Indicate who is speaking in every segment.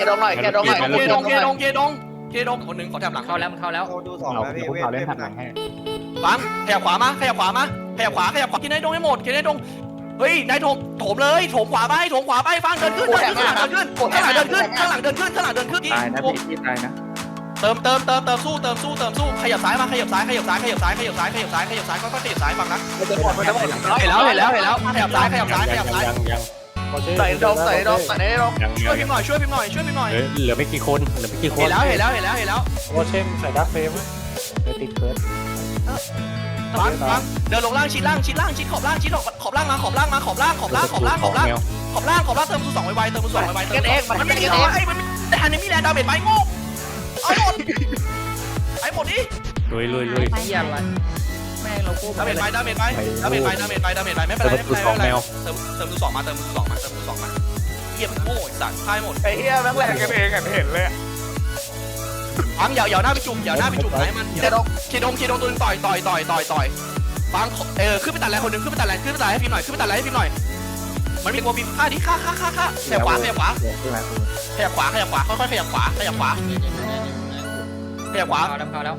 Speaker 1: ดงหน่อยเคดงหน่อย
Speaker 2: เคดงคนหนึ่งขอแถบหลัง
Speaker 3: เข้าแล้วมันเข้าแล้ว
Speaker 4: ดูสองนะพี่เวทเล่นหลังให้
Speaker 2: ฟังขยับขวามาขยับขวากินนายดงให้หมดกินนายดงเฮ้ยนายโถมเลยโถมขวาไปฟังเดินขึ้นข้างหลังเดินขึ้นข้างหลังเดินขึ้นตายนะพี่ตายนะเติมสู้ขยับซ้ายมาขยับซ้ายค่อยๆขยับซ้ายฟังนะเห็นแล้วขยับซ้าย
Speaker 1: ใส่ดงช่วยพิมพ์หน่อย
Speaker 5: เหลือไม่กี่คน
Speaker 2: เห็นแล้ว
Speaker 4: โอเช่มใส่ดักเฟรมติดเคิร์ด
Speaker 2: ฟังเดินลงล่างชิดขอบล่างมาขอบล่างเติมสู้2ไวๆ
Speaker 1: กันเองมันเป็นกันเอง
Speaker 2: แต่อันนี้มีแรงดาเมจไปโง่เอาหมดไอ้หมดดิ
Speaker 5: ลุย
Speaker 3: เหี้ยอะไรแม่งเรากู้
Speaker 2: ดาเมจไปไม่เป็นไรเติมสู้2มาเหี้ยมันโง่ไอ้สัตว์พ่ายหมด
Speaker 1: ไอ้เหี้ยแม่งแหลกกันเองเห็นเลย
Speaker 2: ฟังอย่าหน้าไปจุ่มไหนมันเคดงตัวนึงต่อยฟังขึ้นไปตัดแรงคนนึงขึ้นไปตัดแรงให้พิมพ์หน่อยมันมีกลัวพิมพ์ฆ่าดิฆ่าขยับขวาค่อยๆขยับขวา
Speaker 3: เข้าแล้ว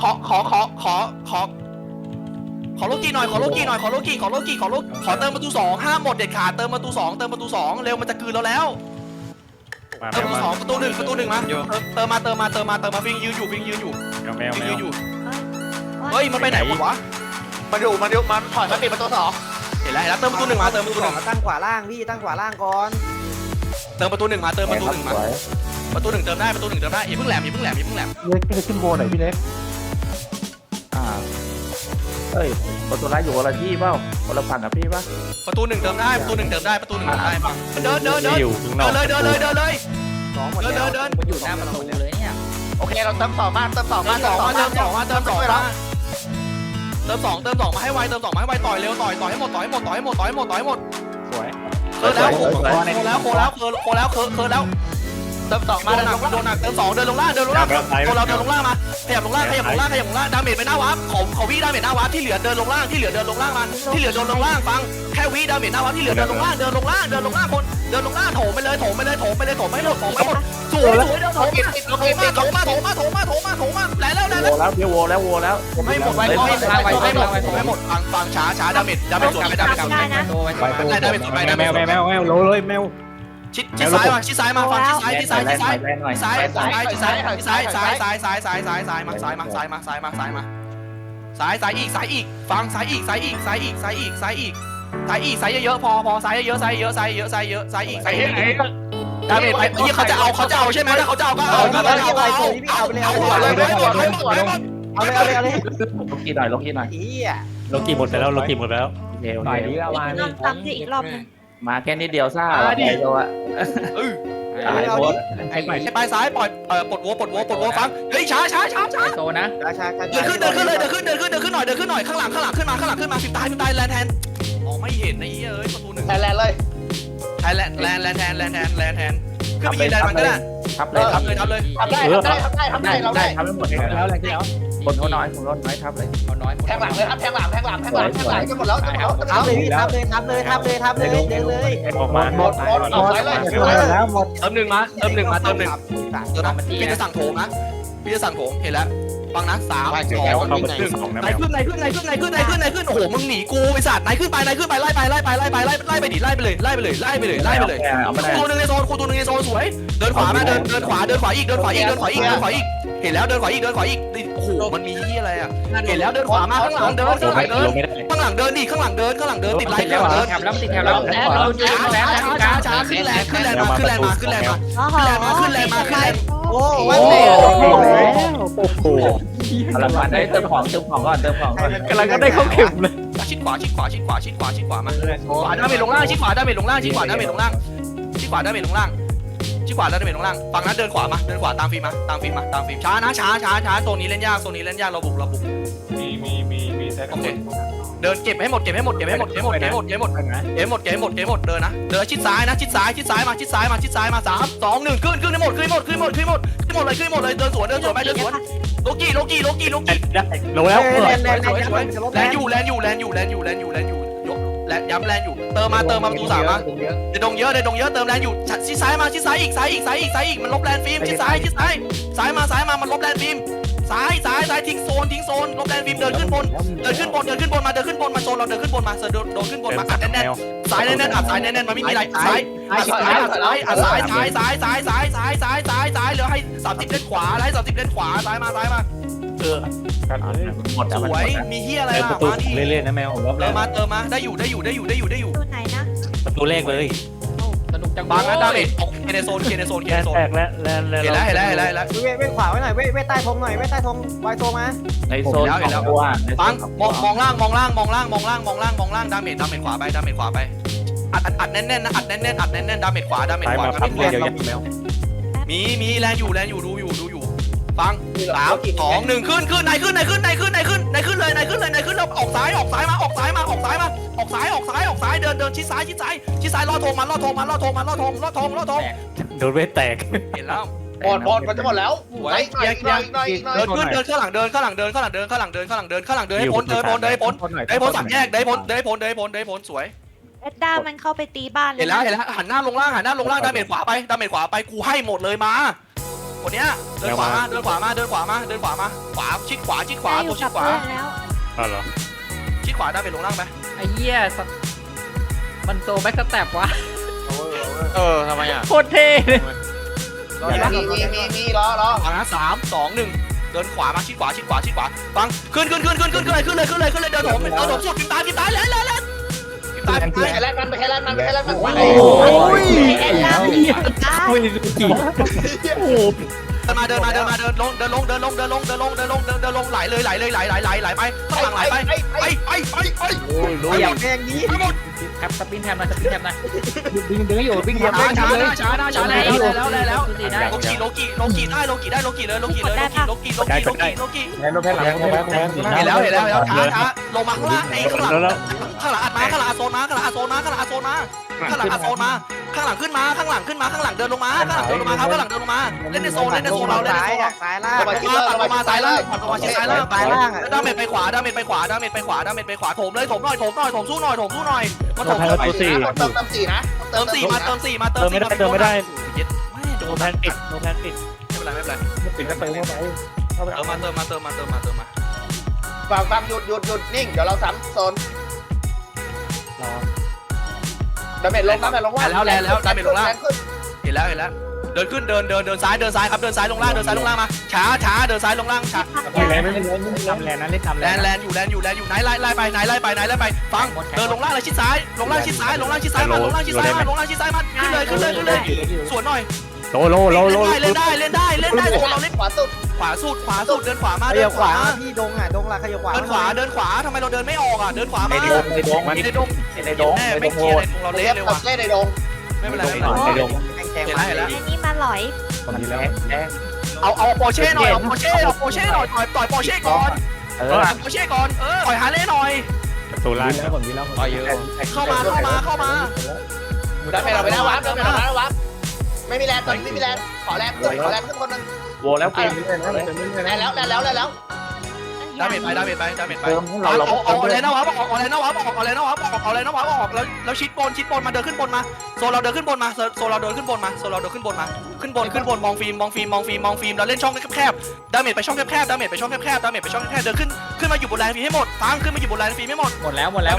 Speaker 2: ขอโลกี้หน่อยขอเติมประตู2ห้ามหมดเด็ดขาดเติมประตู2เร็วมันจะคืนเราแล้วเติมประตู2ประตู1มาเติมมาฟิงยืนอยู่
Speaker 5: แมว
Speaker 2: เฮ้ยมันไปไหนวะ
Speaker 1: มันถอยมาปิดประตู2
Speaker 2: เห็นแล้วเติมประตู1มา
Speaker 4: ตั้งขวาล่างพี่ตั้งขวาล่างก่อน
Speaker 2: เติมประตู1มาประตู1เติมได้อย่าเพิ่งแหลม
Speaker 4: เล็กขึ้นโบหน่อยพี่เล็กเฮ้ยประตูร้ายอยู่คนละที่เปล่าคนละฝั่งกับพี่ป่ะ
Speaker 2: ประตู1เติมได้ปังเดินเลย
Speaker 3: มันอยู่หน้าประตูเลยเนี่ย
Speaker 1: โอเคเราเติม2มา
Speaker 2: เติม2มาให้ไวต่อยเร็วต่อยให้หมด
Speaker 4: สวย
Speaker 2: โคแล้วเติม2มาโดนหนักเติม2เดินลงล่างเราเดินลงล่างมาขยับลงล่างดาเมจไปหน้าวาร์ปขอวิดาเมจหน้าวาร์ปที่เหลือเดินลงล่างมาที่เหลือเดินลงล่างฟังแค่วิดาเมจหน้าวาร์ปที่เหลือเดินลงล่างคนเดินลงล่างโถมไปเลยไม่หมดสวยเดินโถมาแล้ว
Speaker 4: เดี๋ยวโวแล้ว
Speaker 2: ไม่หมดไวไม่หมดฟังช้าดาเมจสวนไปดาเมจ
Speaker 3: โตไป
Speaker 5: แมวโลเลยแมว
Speaker 2: ชิดซ้ายมาฟังชิดซ้ายมาซ้ายมาซ้ายอีกฟังซ้ายอีกเยอะพอซ้ายเยอะอีกดาเมจไปยี่เขาจะเอาใช่ไหมถ้าเขาจะเอาก็เอาเลย
Speaker 4: ลงกี่หน่อย
Speaker 5: โลกีหมดไปแล้ว
Speaker 4: เร็ว
Speaker 6: ต่อยนี้แล้วมานี่
Speaker 7: ซ้ำสิอีกรอบนึง
Speaker 4: มาแค่นิดเดียวซ่าไปโยอะ
Speaker 2: ไอ้ไปซ้ายปล่อยปลดวัวฟังเฮ้ยช้า
Speaker 3: โตนะ
Speaker 2: เดินขึ้นหน่อยข้างหลังขึ้นมาฟิตายแลนแทนอ๋อไม่เห็นไอ้เอ้ยประตู1
Speaker 1: แทนเลย
Speaker 2: แลนแทนขึ้นไปยืนแลนมันก็ได้
Speaker 4: ทับเลย
Speaker 1: ทำได้เราได้
Speaker 4: ทับไม่หมดแล้วอะไรที่แล้วคนเขาน้อยทับเลย
Speaker 3: เอาน้อย
Speaker 1: แทงหลังเลยครับแทงหลังจะหมดแล้ว
Speaker 4: ทับเลยเดินเลย
Speaker 5: ออกมา
Speaker 1: หมด
Speaker 4: แล้วหมด
Speaker 2: เติมหนึ่งมาพี่จะสั่งโถมนะเห็นแล้วฟังนะ3 2 1ไหนขึ้นโอ้โหมึงหนีกูไอ้สัตว์ไหนขึ้นไปไล่ไปเลยตัวนึงในโซนสวยเดินขวามาเดินขวาอีกเห็นแล้วเดินขวาอีกโอ้โหมันมีที่อะไรอ่ะเห็นแล้วเดินขวามาข้างหลังเดินดิข้างหลังเดินติดไล่ข้างหลังเดิน
Speaker 3: แถบแล้วติดแถบแล้ว
Speaker 2: ช้าขึ้นแรงมา
Speaker 4: โอ้โหพลังงานได้เติมของก่อน
Speaker 5: กำลังก็ได้เข้าเข็มเลย
Speaker 2: ชิดขวามาขวาดาเมจลงล่างชิดขวาดาเมจลงล่างฟังนั้นเดินขวาตามฟิล์มช้านะช้าโซนนี้เล่นยากเราบุก
Speaker 5: มีแซก
Speaker 2: โอเคเดินเก็บให้หมดเดินนะเดินชิดซ้ายมา3 2 1ขึ้นให้หมดเลยเดินสวนไปโลกี้
Speaker 5: ได้โลแล้ว
Speaker 2: แลนอยู่และย้ำแลนอยู่เติมมาประตู3มาในดงเยอะเติมแลนอยู่ชิดซ้ายมาชิดซ้ายอีกมันลบแลนฟิล์มชิดซ้ายมามันลบแลนฟิล์มซ้ายทิ้งโซนลบแลนฟิล์มเดินขึ้นบนมาโซนเราเดินขึ้นบนมาโดนขึ้นบนมาอัดแน่นซ้ายแน่นอัดซ้ายแน่นมันไม่มีอะไรซ้ายเหลือให้30เล่นขวาไล่30เล่นขวาซ้ายมา
Speaker 4: หมด
Speaker 2: สวยมีเฮียอะไร
Speaker 5: ประตูเรื่อยๆนะแมว
Speaker 2: เติมมาได้อยู่
Speaker 6: ตัวไหนนะ
Speaker 5: ประตูแรกเลย
Speaker 3: สนุกจัง
Speaker 2: บางนะดาเมจเคในโซน
Speaker 5: แตกแล้ว
Speaker 2: เห็นแล้ว
Speaker 7: เว้ขวาไว้หน่อยเว้ใต้ธงหน่อยเว้ใต้ธงไวโซมา
Speaker 4: ในโซนตัว
Speaker 2: ปังมองล่างดาเมจขวาไปอัดแน่นนะอัดแน่นดาเมจขวา
Speaker 5: ซ้ายมาพับเลยเดี๋ยวแมว
Speaker 2: มีแลนอยู่ดูอยู่ฟัง3 2 1ขึ้นในขึ้นเลยแล้วออกซ้ายเดินชิดซ้ายล่อธงโ
Speaker 5: โดนเวทแตก
Speaker 2: เห็นแล้ว
Speaker 1: หมดมันจะหมดแล้วเดินข้างหลังให้พ้นสามแยกได้พ้นสวย
Speaker 6: เอ็ดด้ามันเข้าไปตีบ้านเลย
Speaker 2: เห็นแล้วหันหน้าลงล่างดาเมจขวาไปกูให้หมดเลยมาคนเนี้ยเดินขวามาขวาชิดขวาตัวชิดขวา
Speaker 6: แล้ว
Speaker 5: อ๋อเหรอ
Speaker 2: ชิดขวาดาเมจลงล่างไป
Speaker 3: ไอ้เหี้ยมันโซแบ็กสแต็ปวะ
Speaker 1: ทำไมอ่ะ
Speaker 3: โคตรเท่เลย
Speaker 1: มีรอ
Speaker 2: ฟังนะ3 2 1เดินขวามาชิดขวาฟังขึ้นเลยเดินถมสุดตายแล้ว
Speaker 1: ไปแค่แรกมัน
Speaker 6: โอ้ยเอ็ดด้ามันตีบ้าน
Speaker 5: โอ้ยกี่
Speaker 2: เดินลงไหลไปข้างหลังไหลไปไป
Speaker 7: อยากแม่งนี้
Speaker 3: แท็บสปินแท็บนะดึงอยู่วิ่ง
Speaker 2: ช้าแล้ว
Speaker 3: ตีได้
Speaker 2: โลกิได้โลกิเลย
Speaker 4: แรงแพ้หลัง
Speaker 2: เห็นแล้วช้าลงมาข้างล่างไอ้ข้างหลังอัดมาข้างหลังโซนมาข้างหลังขึ้นมาข้างหลังเดินลงมาครับข้างหลังเดินลงมาเล่นในโซนเราเล่นในโซน
Speaker 7: ซ้ายล่าง
Speaker 2: ปัดมาซ้ายล่างดาเมจไปขวาโถมเลยโถมสู้หน่อยมาโถม
Speaker 1: เติม4นะเติม
Speaker 2: เติมไม่ได้
Speaker 5: โดนแพนปิด
Speaker 2: ไม่เป็นไร
Speaker 4: ปิดก็เติมเข้าไป
Speaker 2: เติมมา
Speaker 1: ฟังหยุดนิ่งเดี๋ยวเราซ้ำโซนดาเมจลงว่าเห็นแล้วเดินขึ้นเดินซ้ายครับเดินซ้ายลงล่างมาช้าเดินซ้ายลงล่างช้า
Speaker 5: ไม่ทำแลนนะเล่นทำแลน
Speaker 2: แลนอยู่ไหนไล่ไปฟังเดินลงล่างเลยชิดซ้ายมาขึ้นเลยสวนหน่อย
Speaker 5: โล
Speaker 2: เล่นได้เราเล่นขวาสุดเดินขวามา
Speaker 7: ขยับขวาพี่ดงอ่ะดงละขยับขวา
Speaker 2: เดินขวาทำไมเราเดินไม่ออกอ่ะเดินขวามา
Speaker 4: ในดง
Speaker 2: แน่ไม่เคลียร์เราเละเลยว่ะ
Speaker 1: เล่นในดง
Speaker 2: ไม่เป็นไร
Speaker 5: ในดง
Speaker 7: แข่ง
Speaker 2: เห็น
Speaker 7: มา
Speaker 2: แล้ว
Speaker 6: อันนี้มาหลอย
Speaker 2: เอาโปเช่หน่อยต่อยโปเช่ก่อนต่อยฮาเล่หน่อย
Speaker 5: ประตูล่าง
Speaker 2: เข้ามา
Speaker 1: ดาเมจเราไปแล้ววับไม่มีแรงตอนนี้ไม่มีแรงขอแรงขึ้นคนนึง
Speaker 4: โวแล้วเกม
Speaker 1: แล้ว
Speaker 2: ดาเมจไปเอาอะไรนะวะออกแล้วชิดบนมาเดินขึ้นบนมาโซเราเดินขึ้นบนมาขึ้นบนมองฟิล์มเราเล่นช่องแคบดาเมจไปช่องแคบเดินขึ้นมาอยู่บนแลนฟิล์มให้หมดฟังขึ้นมาอยู่บนแลนฟิล์มให้หมด
Speaker 3: หมดแล้ว
Speaker 2: สวย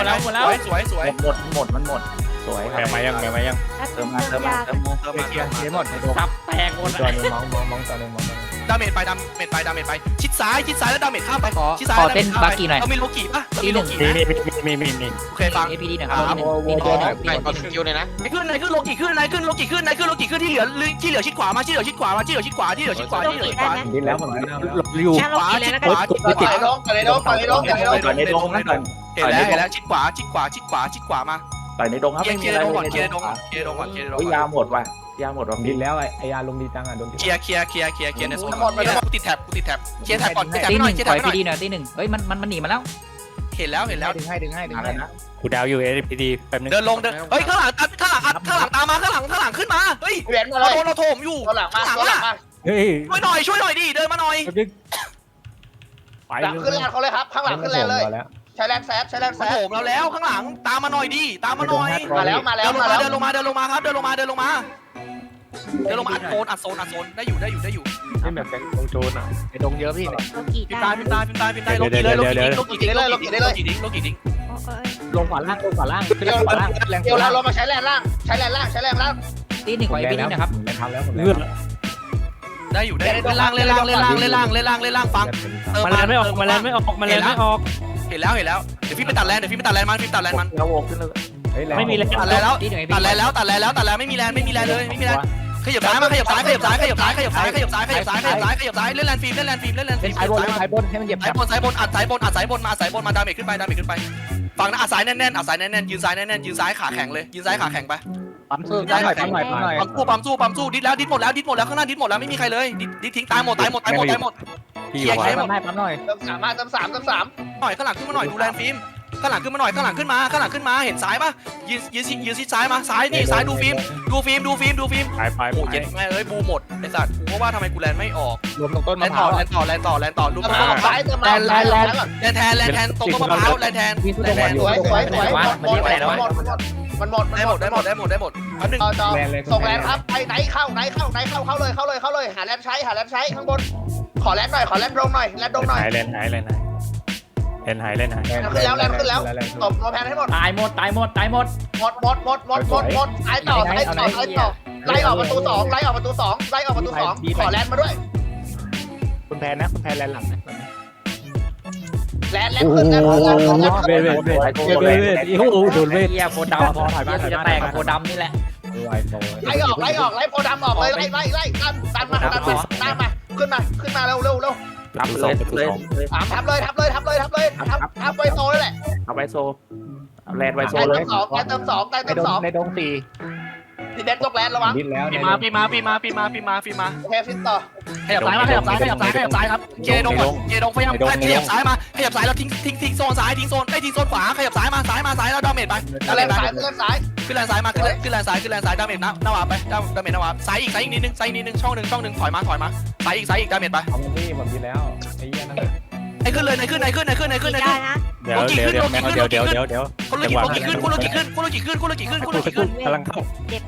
Speaker 4: สวย
Speaker 5: แมวมายัง
Speaker 4: เติมมา
Speaker 3: หมดซับแตกหมด
Speaker 2: ดาเมจไปชิดซ้ายแล้วดาเมจข้ามไป
Speaker 3: ขอเต้นบากีหน่อย
Speaker 2: เรามีโลกิป่ะมี โอเคฟัง
Speaker 3: APD หน่อยครับ
Speaker 1: คิวเลยนะ
Speaker 2: ขึ้นโลกิขึ้นที่เหลือชิดขวามาที่เหลือชิดขวา
Speaker 5: ดิ้นแล้วหมดอยู่
Speaker 6: แค่ลงกินเลยแล้วกัน
Speaker 1: ในดง
Speaker 2: เห็นแล้วชิดขวามา
Speaker 4: ต่อยในดงครับไม่มี
Speaker 2: เคลีย
Speaker 4: อะไร
Speaker 2: ร์ดงก่อน
Speaker 4: ยาหมดว่ะ
Speaker 5: ดิ้นแล้วไอ้ยาลงดีจังอ่ะโดน
Speaker 2: เคลียร์ในโซนกูติดแท็บเคลียร์แท็บก่อน
Speaker 3: ตี
Speaker 2: ห
Speaker 3: ห
Speaker 2: น่อ
Speaker 3: นึ่
Speaker 2: ย
Speaker 3: ง
Speaker 2: เคลียร์
Speaker 3: ปล่
Speaker 2: แท็
Speaker 3: อย
Speaker 2: บหน่อย
Speaker 3: PD หน่อยตีหนึ่งเฮ้ยมันหนีมาแล้ว
Speaker 2: เห็นแล้ว
Speaker 7: ดึงให้
Speaker 4: นะ
Speaker 5: กูดาวอยู่ APD แป๊บนึง
Speaker 2: เดินลงเฮ้ยข้างหลังตามมาข้างหลังขึ้นมาเฮ้ย
Speaker 1: เวียนมาเลย
Speaker 2: เราโถมอยู่
Speaker 1: ตัวหลังมา
Speaker 5: เฮ้ย
Speaker 2: ช่วยหน่อยดิเดินมาหน่อย
Speaker 5: ไป
Speaker 1: หลังขึ้นแลนเขาเลยครับข้างหลังขึ้นแลนเลยใช้แรงแซดใช้แรงแซ
Speaker 2: มัน
Speaker 1: ด
Speaker 2: โถมเราแล้วข้างหลังตามมาหน่อยดิตามมาหน่อย
Speaker 1: มาแล้วมาแล้ว
Speaker 2: เดินลงมาเดินลงมาครับเดินลงมาอัดโซนได้อยู่
Speaker 3: นี่แบบแกงโจนอ่ะไอ้ดงเยอะพี่
Speaker 6: โลกิ
Speaker 2: พิม
Speaker 6: ได้
Speaker 2: พ์ตายโลกีเลยโลกีดิ้ง
Speaker 3: ลงขวาล่างขึ้น
Speaker 1: เดี๋ยว
Speaker 3: ขวาล่าง
Speaker 1: เดี๋ยวเรามาใช้แรงล่างใช้แรงล่าง
Speaker 3: ตีหนึ่งไว้พี่นี่นะครับไม่ทำแล้วผมเลือด
Speaker 2: ได้อยู่ได้เล่นล่างฟัง
Speaker 5: มันแลนไม่ออกมันแลนไม่ออก
Speaker 2: เห็นแล้วเดี๋ยวพี่ไปตัดแลนมัน
Speaker 4: เราโวกขึ้นเลย
Speaker 5: ไม่มีแลน
Speaker 2: ตัดแลนไม่มีแลนเลยขยับซ้ายเล่นแลนฟิล์ม
Speaker 3: เป็นสายบนให้มันเหยียบ
Speaker 2: สายบนอัดสายบนมาดาเมจขึ้นไปฝั่งนั้นอัดสายแน่นยืนซ้ายขาแข็งเลยยืนซ้ายขาแข็งไป
Speaker 3: ปั๊มหน่อย
Speaker 2: ปั๊มสู้ดิดหมดแล้วข้างหน้าดิดหมดแล้วไม่มีใครเลยดิทิ้งตายหมดเคลียร์หมด
Speaker 3: ปั๊มหน่อย
Speaker 1: เติม3มาเติม3
Speaker 2: หน่อยข้างหลังขึ้นมาหน่อยดูแลนฟิล์มข้างหลังขึ้นมาเห็นซ้ายป่ะยืนชิดซ้ายมาซ้ายนี่ซ้ายดูฟิล์มโอ้เย็นแม่เอ้ยบูหมดไอ้สัตว์กูก็ว่าทำไมกูแลนไม่ออก
Speaker 3: รวมตรงต้น
Speaker 2: แล
Speaker 3: มะ
Speaker 2: น
Speaker 3: พร้าว
Speaker 2: ต่อลูก
Speaker 1: 3ซ้ายเติมมาแ
Speaker 2: แลนตรงต้นมะพร้าวแลนแทน
Speaker 1: สวยมันหมด
Speaker 2: ได้หมดแป๊บนึง
Speaker 1: ต่อส่งแรงครับไปไหนเข้าเลยหาแรงใช้ข้างบนขอแรงหน่อยขอแรงลงหน่อยแรงลงหน่อย
Speaker 5: หายขึ้น
Speaker 1: แล้วตบโนแพนให้หมด
Speaker 3: ตายหมด
Speaker 1: ตายต่อไล่ออกประตู2ขอแรงมาด้วย
Speaker 3: คุณแพนแลนหลังนะ
Speaker 1: แรงขึ้นนะ
Speaker 5: เวทโอ้โหโดนเวท
Speaker 3: เฮียโคดำพอถอยบ้านจะแตกโคดำนี่แหละ
Speaker 1: ไล่โพดำออกเลยไล่ดันมาขึ้นมาเร็ว
Speaker 4: รับเลย
Speaker 1: ทับไวโซเลยแหละ
Speaker 4: เอาไปโซเอาแลนไวโซเลย
Speaker 1: เติม2
Speaker 3: ในดง4
Speaker 1: ทีเด็ดยกแลนระวัง
Speaker 3: ดิ้นแล้ว
Speaker 2: ปีมา
Speaker 1: โอเคฟิตต่อ
Speaker 2: ขยับซ้ายครับเจดงพยายามขยับซ้ายมาขยับซ้ายแล้วทิ้งโซนซ้ายทิ้งโซนขวาขยับซ้ายมาแล้วดาเมจไป
Speaker 1: แลนซ้าย
Speaker 2: ขึ้นแลนซ้ายมาขึ้นแลนซ้ายดาเมจหน้าวาไปดาเมจหน้าวาซ้ายอีกนิดนึงช่องหนึ่งถอยมาซ้ายอีกดาเมจไป
Speaker 3: เอาพี่ผมดิ้นแล้วไอ้เหี้ยนั่น
Speaker 2: ไอ้ขึ้นเลยขึ้น
Speaker 6: ได้นะ
Speaker 5: เดี๋ยว
Speaker 2: คุณโลกิขึ้นกำลังเข้า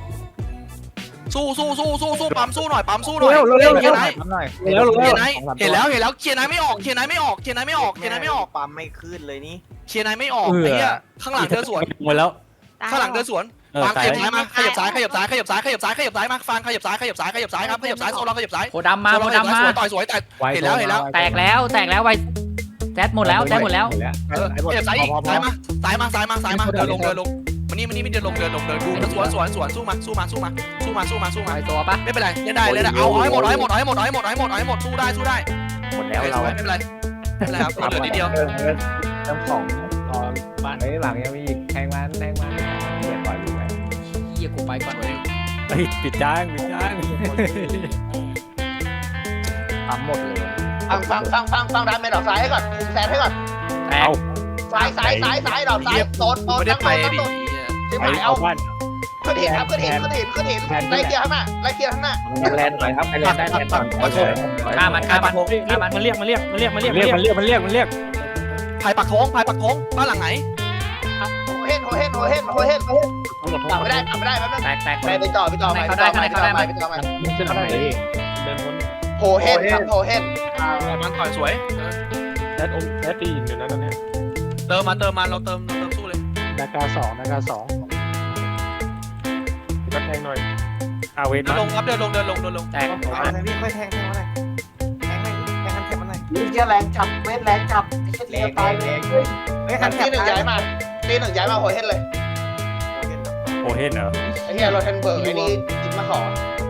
Speaker 2: สู้ปั๊มสู้หน่อย
Speaker 3: เร็ว
Speaker 2: เห็นไหม
Speaker 3: หน่อย
Speaker 2: เห็นแล้วเคลียร์ไหนไม่ออก
Speaker 7: ปั๊มไม่ขึ้นเลยนี่
Speaker 2: เคลียร์ไหนไม่ออกไอ้เหี้ยข้างหลังเดินสวน
Speaker 5: หมดแล้ว
Speaker 2: ข้างหลังเดินสวนฟังขยับซ้ายมาขยับซ้ายมาฟังขยับซ้ายครับขยับซ้ายโซนเราขยับซ้าย
Speaker 3: โคดำมา
Speaker 2: ต่อยสวยแต่เห็นแล้ว
Speaker 3: แตกแล้วไปแซดหมดแล้ว
Speaker 2: ขยับซ้ายอีกซ้ายมาเดินลงมันนี่เดินลงดูสวนสู้มา
Speaker 3: ไปตัวปะ
Speaker 2: ไม่เป็นไรเล่นได้เอาให้หมดสู้ได้
Speaker 4: หมดแล้วเรา
Speaker 2: ไม่เป็นไรครับเหลือนิดเดียว
Speaker 3: เติมของบ้านหลังยังมีอีกแทงมันเดี๋ยวปล่อยไปเฮียกูไปก่อนเลย
Speaker 5: ปิดจ้าง
Speaker 3: ปั๊มหมดเลย
Speaker 1: ฟังดาเมจดอกซ้ายให้ก่อนคุมแซนให้ก่อน
Speaker 3: แตก
Speaker 1: ซ้ายดอกซ้ายโซน
Speaker 2: ไม่ได้ไปดิ
Speaker 1: ที่หมายเอาขึ้นหินไล่เคลียร์ข้างหน้า
Speaker 4: แลนหน่อยครับแลนได้แลนก่อน
Speaker 3: ฆ่ามัน
Speaker 5: มันเรียก
Speaker 2: ภายปักธงบ้านหลังไหน
Speaker 1: โหเฮ็ดไม่ได้แป๊บนึง
Speaker 3: แตก
Speaker 1: ไปต่อไป
Speaker 3: มึงขึ้นข้างไหนเดินวน
Speaker 1: โหเฮ็ด
Speaker 2: มันต่อยสวย
Speaker 5: แอดตีอยู่นะตอนนี้
Speaker 2: เติมมาเราเติมสู้เลย
Speaker 5: นากา2ก็แทงหน่อยอาเวท
Speaker 2: เดินลงครับเดินลง
Speaker 3: แตก
Speaker 7: พี่ค่อยแทงมาหน่อยแทงคันแทงมาหน่อย
Speaker 1: เชี่ยแรงจับเวทแรงจับไอ้เชี่ยตายเลย
Speaker 7: คันแท
Speaker 1: ตี
Speaker 7: ง
Speaker 1: หนึ่งย้ายมาโหเฮ็ดเลย
Speaker 5: โอเฮนเหรอ
Speaker 1: ไอ้เหี้ยโรเทนเบิร์กไอ้นี่จิมมาขอ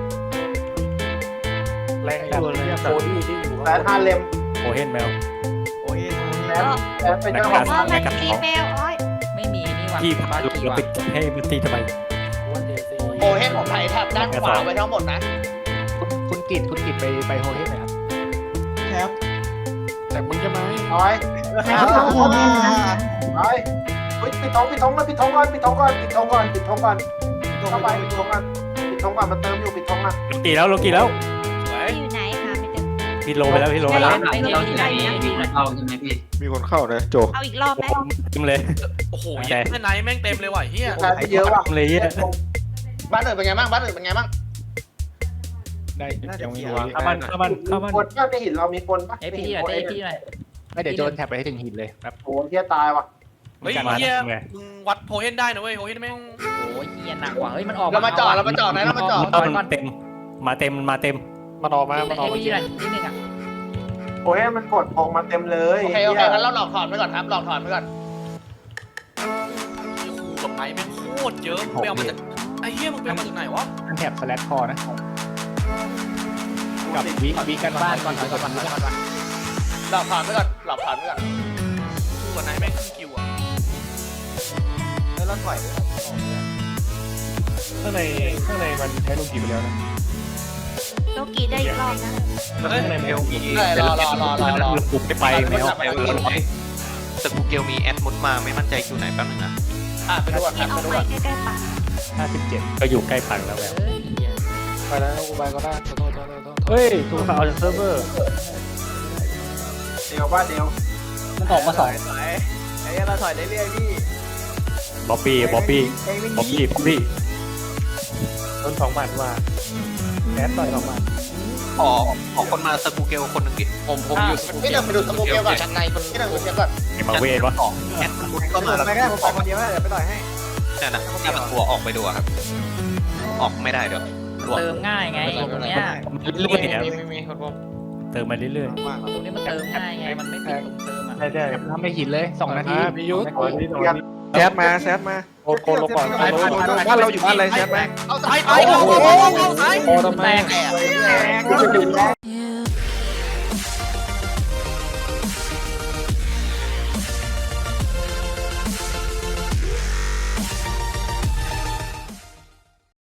Speaker 5: แรงดัน
Speaker 4: โคดี้ที่อยู่
Speaker 1: แซนฮาเลม
Speaker 5: โอเฮนแมว
Speaker 7: โอ้ย
Speaker 1: แซนเป็นเจ้าของ
Speaker 6: เพราะมันมีแมวอ้อย
Speaker 3: ไม่มีนี่หว่า
Speaker 5: ที่พักเราไปให้มันตีทำไม
Speaker 1: โหเฮ็ดของไทยแทบด้านขวาไปทั้งหมดนะ
Speaker 3: คุณกิตไปโฮเฮดไหมครับ
Speaker 1: ครับ
Speaker 5: แต่มึงจะมา
Speaker 1: น้อยปิดท้องก่อนเข้าไปปิดท้องก่อนมาเติมอยู่ปิดท้องมา
Speaker 5: โลกีแล้ว
Speaker 2: สวย
Speaker 6: อยู่ไหนคะไม่เจอ
Speaker 3: พี่โลไปแล้วพี่โลไป
Speaker 6: ได้
Speaker 3: แล้ว
Speaker 6: ไปเลยได้เนี่ย
Speaker 8: มีคนเข้านะโจ
Speaker 6: เอาอีกรอบไหม
Speaker 3: เต็มเลย
Speaker 2: โอ้โหแม่ไหนแม่งเต็มเลยว่ะเฮีย
Speaker 1: เยอะว่ะ
Speaker 3: เลยเยอะ
Speaker 1: บ้านอื่นเป็นไงบ้างบ้านอื่นเป็นไงบ้าง
Speaker 3: ได้ยังไม่รู้
Speaker 8: เข้า
Speaker 3: เข้ามัน
Speaker 1: คนบ้านในหินเรามีคนปะ
Speaker 5: เอ้พี่หน่อยพี่หน่อย
Speaker 3: ไม่เดี๋ยวโจนแท็บไปให้ถึงหินเลยครับ
Speaker 1: โอ้เฮียตายว่ะ
Speaker 2: เฮ้ยเฮียมึงวัดโพเฮนได้นะเว้ยโพเฮนแม่ง
Speaker 5: โอ้ยเฮียหนักว่ะเฮ้ยมันออก
Speaker 1: เรามาจอดนะเรามาจอด
Speaker 3: มันเต็มมาเต็ม
Speaker 8: มันออกมา
Speaker 5: เอ้พี่หน่อยนิดนึงอ่ะ
Speaker 1: โอ้ยมันกดออกมาเต็มเลยโอเคงั้นเราหลอกถอนไปก่อนครับหลอกถอนไปก่อน
Speaker 2: กับไหนแม่งโคตรเยอะไปเอามาจากไอ้เฮียมึงไปเอามาจากไหนวะ
Speaker 3: มันแท็บสแลชคอนะกับวิกันบ้านก่อน
Speaker 1: หลอกถอนไปก่อนหลอกถอนไปก่อน
Speaker 2: กูกับไหนแม่งขึ้นคิวอ่ะ
Speaker 1: แล้วเราถอย
Speaker 3: ข้างในมันใช้ลูกกี่ไปแล้วนะ
Speaker 6: โลกีได้อีกรอบนะ
Speaker 2: เฮ้ย
Speaker 3: ข้างในมัน
Speaker 1: รอ
Speaker 3: ปุบไปแมว
Speaker 9: แต่กูเกลมีแอดมุดมาไม่มั่นใจคิวไหนแป๊บนึงนะ
Speaker 1: ไปดูก่อน
Speaker 6: ที่เอา
Speaker 1: ไปดู
Speaker 6: ไป
Speaker 1: ก่อน
Speaker 6: ใกล้ๆปัง
Speaker 3: 57ก็อยู่ใกล้ปังแล้วแบบ
Speaker 5: เฮ้ย
Speaker 8: ไปแล้วกูไปก็ได้โทษ
Speaker 3: เฮ้ยถูกเอาจากเซิร์ฟเวอร์
Speaker 1: เดียวบ้านเดียว
Speaker 3: มันออกมาสอง
Speaker 1: ไอ้เราถอยได้เรื่อยพี่
Speaker 3: บ๊อบบี้ต้น2 บาทว่าแอดต่อย2 บาท
Speaker 9: ขอคนมาสกูเกลคนหนึ่งดิผมอยู่สกู
Speaker 1: พี่
Speaker 9: เก
Speaker 1: หนึ่
Speaker 9: ล
Speaker 1: งไปดูสมุกเกลก่อน
Speaker 9: ชั้นในคน
Speaker 1: พี่หนึ่งไปเช็คก่อน
Speaker 3: ไอ้มาเวทวะ
Speaker 9: แอดมุดก็มาแล้ว
Speaker 1: ไม่ได้ผมไปคนเดียวเดี๋ยวไปต่อยให้
Speaker 9: นั่นนะถ้ามันตัวออกไปดูครับออกไม่ได้เดี๋ยว
Speaker 5: เติมง่ายไงตรงเนี้ย
Speaker 3: เรื่อยเติมมาเรื่อย
Speaker 5: ตรงนี้มันเติมง่ายไงมันไม่ติดตรงเติมอ่ะ
Speaker 3: ใช่ทำไม่หินเลย2 นาที
Speaker 8: มียุทธแซดมาโคลงก่อนบ้านเราอยู่บ้านอะไรแซดมา
Speaker 1: เอา
Speaker 2: ตาย
Speaker 1: เอา
Speaker 2: เอา
Speaker 8: โอ้ทำไม
Speaker 5: แตก
Speaker 1: แตก